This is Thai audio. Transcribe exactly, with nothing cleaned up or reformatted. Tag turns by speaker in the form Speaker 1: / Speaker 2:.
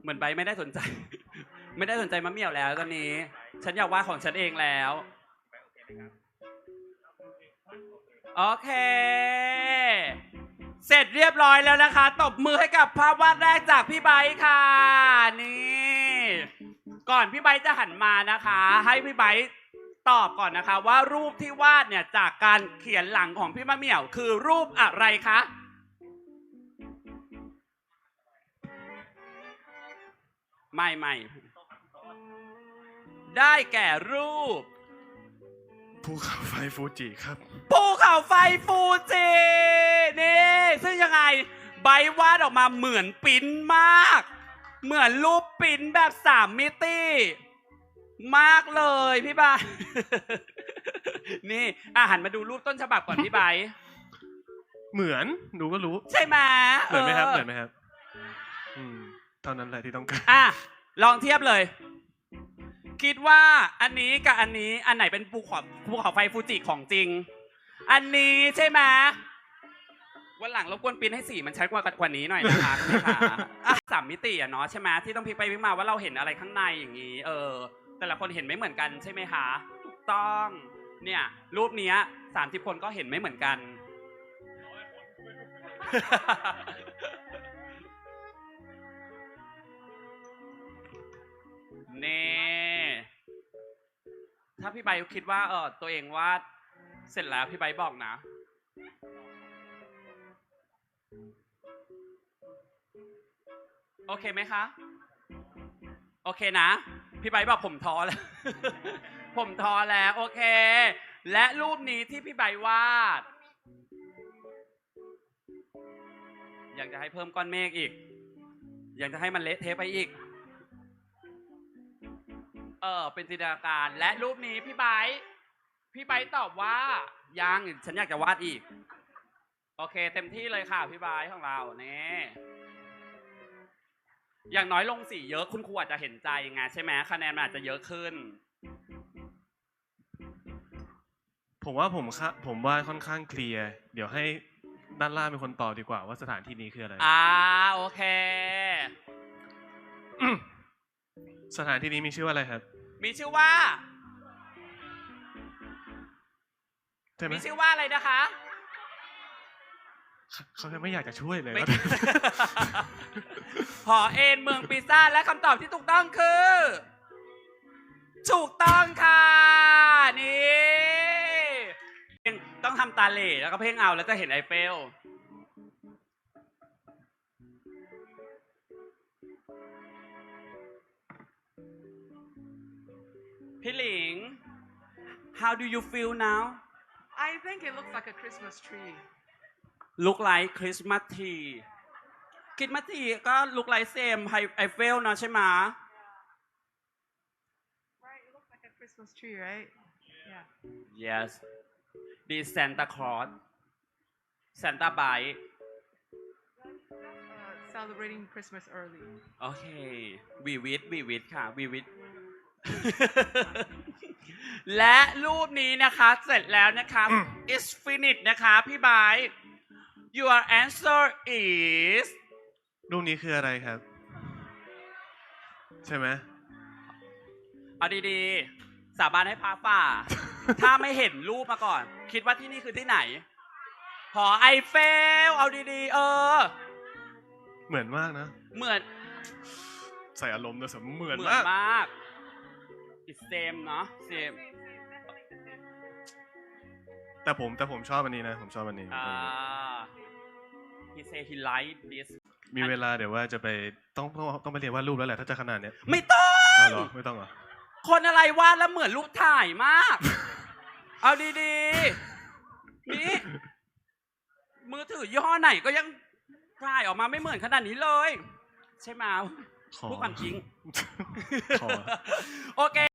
Speaker 1: เหมือนใบไม่ได้สนใจ ไม่ได้สนใจมะเหมี่ยวแล้วตอนนี้ ฉันอยากวาดของฉันเองแล้ว โอเค เสร็จเรียบร้อยแล้วนะคะตบมือให้กับภาพวาดแรกจากพี่ไบค์ค่ะนี่ก่อนพี่ไบค์จะหันมานะคะ ให้พี่ไบค์ตอบก่อนนะคะว่ารูปที่วาดเนี่ยจากการเขียนหลังของพี่มะเหมี่ยวคือรูปอะไรคะไม่ไม่ได้แก่รูป
Speaker 2: ภูเขาไฟฟูจิครับ
Speaker 1: ภูเขาไฟฟูจินี่ซึ่งยังไงใบวาดออกมาเหมือนปิ้นมากเหมือนรูปปิ้นแบบสามมิติมากเลยพี่ใบ นี่อ่ะหันมาดูรูปต้นฉบับก่อนพี่ใบ
Speaker 2: เหมือนดูก็รู้
Speaker 1: ใช่ไหม
Speaker 2: เหมือนไหมครับเหมือนไหมครับอืมเท่านั้นแหละที่ต้องการ
Speaker 1: อ่ะลองเทียบเลยคิดว่าอันนี้กับอันนี้อันไหนเป็นภูเขาภูเขาไฟฟูจิของจริงอันนี้ใช่ไหมวันหลังรบกวนปริ้นให้สีมันชัดกว่ากว่านี้หน่อยนะคะคุณค่ะสามมิติอ่ะเนาะใช่ไหมที่ต้องพลิกไปพลิกมาว่าเราเห็นอะไรข้างในอย่างนี้เออแต่ละคนเห็นไม่เหมือนกันใช่ไหมคะถูกต้องเนี่ยรูปนี้สามสิบคนก็เห็นไม่เหมือนกันนี่ถ้าพี่ใบคิดว่าเออตัวเองวาดเสร็จแล้วพี่ใบบอกนะโอเคไหมคะโอเคนะพี่ใบบอกผมท้อแล้ว ผมท้อแล้วโอเคและรูปนี้ที่พี่ใบวาดอยากจะให้เพิ่มก้อนเมฆอีกอยากจะให้มันเละเทะไปอีกเออเป็นจินตนาการและรูปนี้พี่ไบร์ทพี่ไบร์ทตอบว่ายังฉันอยากจะวาดอีกโอเคเต็มที่เลยค่ะพี่ไบร์ทของเราเนี่ยอย่างน้อยลงสีเยอะคุณครูอาจจะเห็นใจไงใช่ไหมคะแนนมันอาจจะเยอะขึ้น
Speaker 2: ผมว่าผมค่ะผมว่าค่อนข้างเคลียร์เดี๋ยวให้ด้านล่างเป็นคนตอบดีกว่าว่าสถานที่นี้คืออะไร
Speaker 1: อ่าโอเค
Speaker 2: สถานที่นี้มีชื่อว่าอะไรครับ
Speaker 1: มีชื่อว่ามีชื่อว่าอะไรนะคะ
Speaker 2: เขาไม่อยากจะช่วยเลย
Speaker 1: หอเอ็นเมืองปิซ่าและคำตอบที่ถูกต้องคือถูกต้องค่ะนี่ต้องทำตาเหล่แล้วก็เพ่งเอาแล้วจะเห็นไอเฟลพี่หลิง how do you feel now
Speaker 3: I think it looks like a Christmas tree
Speaker 1: look like Christmas tree Christmas tree ก็ look like same ไอเฟลเนาะใช่ไหม
Speaker 3: Right it looks like a Christmas tree right yeah
Speaker 1: yes this Santa Claus Santa Bite
Speaker 3: uh, celebrating Christmas early
Speaker 1: โอเค we with we with ค่ะ we with และรูปนี้นะคะเสร็จแล้วนะคะ is finished นะคะพี่ไบร์ท your answer is
Speaker 2: รูปนี้คืออะไรครับใช่ไหม
Speaker 1: เอาดีๆสาบานให้พาฝ่า ถ้าไม่เห็นรูปมาก่อนคิดว่าที่นี่คือที่ไหนหอไอเฟลเอาดีๆเออ
Speaker 2: เหมือนมากนะ
Speaker 1: เหมือน
Speaker 2: ใส่อารมณ์นะสมเหมือน
Speaker 1: มาก it's same เนาะ same
Speaker 2: แต่ผมแต่ผมชอบอันนี้นะผมชอบอันนี้
Speaker 1: อ่า he say he like this
Speaker 2: มีเวลาเดี๋ยวว่าจะไปต้องต้องต้องไปเรียนวาดรูปแล้วแหละถ้าจะขนาดเนี้ย
Speaker 1: ไม่ต้อง
Speaker 2: เหรอไม่ต้องเหรอ
Speaker 1: คนอะไรวาดแล้วเหมือนรูปถ่ายมาก เอาดีๆนี่มือถือยี่ห้อไหนก็ยังถ่ายออกมาไม่เหมือนขนาดนี้เลยใช่ไหมพูดความจริงโอเค